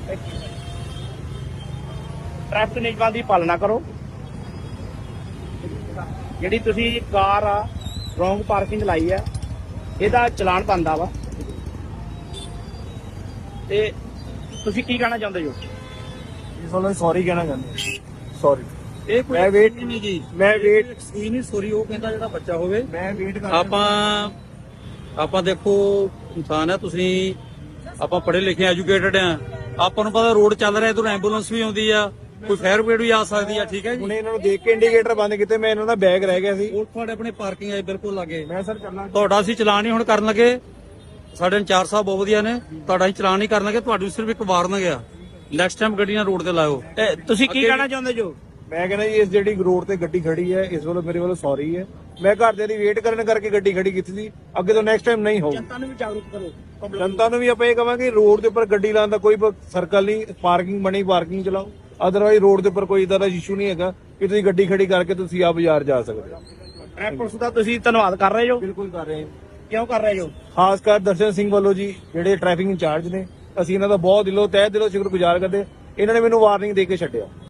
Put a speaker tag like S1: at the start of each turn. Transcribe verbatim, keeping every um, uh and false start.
S1: Traffic नियमां की पालना करो। ਜਿਹੜੀ ਤੁਸੀਂ ਕਾਰ ਆ ਰੋਂਗ ਪਾਰਕਿੰਗ ਲਾਈ ਹੈ ਇਹਦਾ ਚਲਾਨ ਬਣਦਾ ਵਾ ਤੇ ਤੁਸੀਂ ਕੀ ਕਹਿਣਾ ਚਾਹੁੰਦੇ ਹੋ?
S2: ਇਸ ਵੱਲੋਂ ਸੌਰੀ ਕਹਿਣਾ ਚਾਹੁੰਦੇ ਸੌਰੀ।
S3: ਇਹ ਕੋਈ
S2: ਮੈਂ ਵੇਟ
S3: ਨਹੀਂ ਜੀ,
S2: ਮੈਂ ਵੇਟ
S3: ਇਹ ਨਹੀਂ ਸੋਰੀ ਉਹ ਕਹਿੰਦਾ ਜਿਹੜਾ ਬੱਚਾ ਹੋਵੇ।
S2: ਮੈਂ ਵੇਟ ਕਰ
S3: ਆਪਾਂ ਆਪਾਂ ਦੇਖੋ ਇਨਸਾਨ ਹੈ, ਤੁਸੀਂ ਆਪਾਂ ਪੜ੍ਹੇ ਲਿਖੇ ਐਜੂਕੇਟਡ ਆ, ਆਪਾਂ ਨੂੰ ਪਤਾ ਰੋਡ ਚੱਲ ਰਿਹਾ, ਇਧਰੋਂ ਐਂਬੂਲੈਂਸ ਵੀ ਆਉਂਦੀ ਆ, ਕੋਈ ਫਾਇਰ ਬ੍ਰਿਗੇਡ ਵੀ ਆ ਸਕਦੀ ਆ। ਠੀਕ ਹੈ ਜੀ,
S2: ਹੁਣੇ ਇਹਨਾਂ ਨੂੰ ਦੇਖ ਕੇ ਇੰਡੀਕੇਟਰ ਬੰਦ ਕੀਤੇ, ਮੈਂ ਇਹਨਾਂ ਦਾ ਬੈਗ ਰਹਿ ਗਿਆ ਸੀ।
S3: ਉਹ ਤੁਹਾਡੇ ਆਪਣੇ ਪਾਰਕਿੰਗ ਆਏ ਬਿਲਕੁਲ ਲਾਗੇ।
S2: ਮੈਂ ਸਰ ਚੱਲਣਾ
S3: ਤੁਹਾਡਾ ਅਸੀਂ ਚਲਾਨ ਹੀ ਹੁਣ ਕਰਨ ਲੱਗੇ, ਸਾਡੇ ਇੰਚਾਰਜ ਸਾਹਿਬ ਬਹੁਤ ਵਧੀਆ ਨੇ, ਤੁਹਾਡਾ ਅਸੀਂ ਚਲਾਨ ਨਹੀਂ ਕਰਨ ਲੱਗੇ, ਤੁਹਾਨੂੰ ਸਿਰਫ ਇੱਕ ਵਾਰਨਿੰਗ ਆ, ਨੈਕਸਟ ਟਾਈਮ ਗੱਡੀਆਂ ਰੋਡ ਤੇ ਲਾਇਓ।
S1: ਤੇ ਤੁਸੀਂ ਕੀ ਕਹਿਣਾ ਚਾਹੁੰਦੇ ਜੋ?
S2: ਮੈਂ ਕਹਿੰਦਾ ਜੀ ਇਸ ਜਿਹੜੀ ਰੋਡ ਤੇ ਗੱਡੀ ਖੜੀ ਹੈ ਇਸ ਵੱਲੋਂ ਮੇਰੇ ਵੱਲੋਂ ਸੌਰੀ ਹੈ। ਮੈਂ ਘਰਦਿਆਂ ਦੀ ਵੇਟ ਕਰਨ ਕਰਕੇ ਗੱਡੀ ਖੜੀ ਕੀਤੀ ਸੀ, ਅੱਗੇ ਤੋਂ ਨੈਕਸਟ ਟਾਈਮ ਨਹੀਂ ਹੋਊ।
S1: ਜਨਤਾ ਨੂੰ ਵੀ ਜਾਗਰੂਕ ਕਰੋ।
S2: ਜਨਤਾ ਨੂੰ ਵੀ ਆਪਾਂ ਇਹ ਕਵਾਂਗੇ ਰੋਡ ਦੇ ਉੱਪਰ ਗੱਡੀ ਲਾਉਣ ਦਾ ਕੋਈ ਸਰਕਲ ਨਹੀਂ, ਪਾਰਕਿੰਗ ਬਣੀ ਪਾਰਕਿੰਗ ਚਲਾਓ। ਅਦਰਵਾਈਜ਼ ਰੋਡ ਦੇ ਉੱਪਰ ਕੋਈ ਇਦਾਂ ਦਾ ਇਸ਼ੂ ਨਹੀਂ ਹੈਗਾ ਕਿ ਤੁਸੀਂ ਗੱਡੀ ਖੜੀ ਕਰਕੇ ਤੁਸੀਂ ਆ ਬਾਜ਼ਾਰ ਜਾ ਸਕਦੇ ਹੋ।
S1: ਟ੍ਰੈਫਿਕ ਪੁਲਿਸ ਦਾ ਤੁਸੀਂ ਧੰਨਵਾਦ ਕਰ ਰਹੇ ਹੋ?
S2: ਬਿਲਕੁਲ ਕਰ ਰਹੇ ਹਾਂ।
S1: ਕਿਉਂ ਕਰ ਰਹੇ ਹੋ?
S2: ਖਾਸ ਕਰ ਦਰਸ਼ਨ ਸਿੰਘ ਵੱਲੋਂ ਜੀ ਜਿਹੜੇ ਟ੍ਰੈਫਿਕ ਇੰਚਾਰਜ ਨੇ, ਅਸੀਂ ਇਹਨਾਂ ਦਾ ਬਹੁਤ ਦਿਲੋਂ ਤਹਿ ਦਿਲੋਂ ਸ਼ੁਕਰਗੁਜ਼ਾਰ ਕਰਦੇ। ਇਹਨਾਂ ਨੇ ਮੈਨੂੰ ਵਾਰਨਿੰਗ ਦੇ ਕੇ ਛੱਡਿਆ।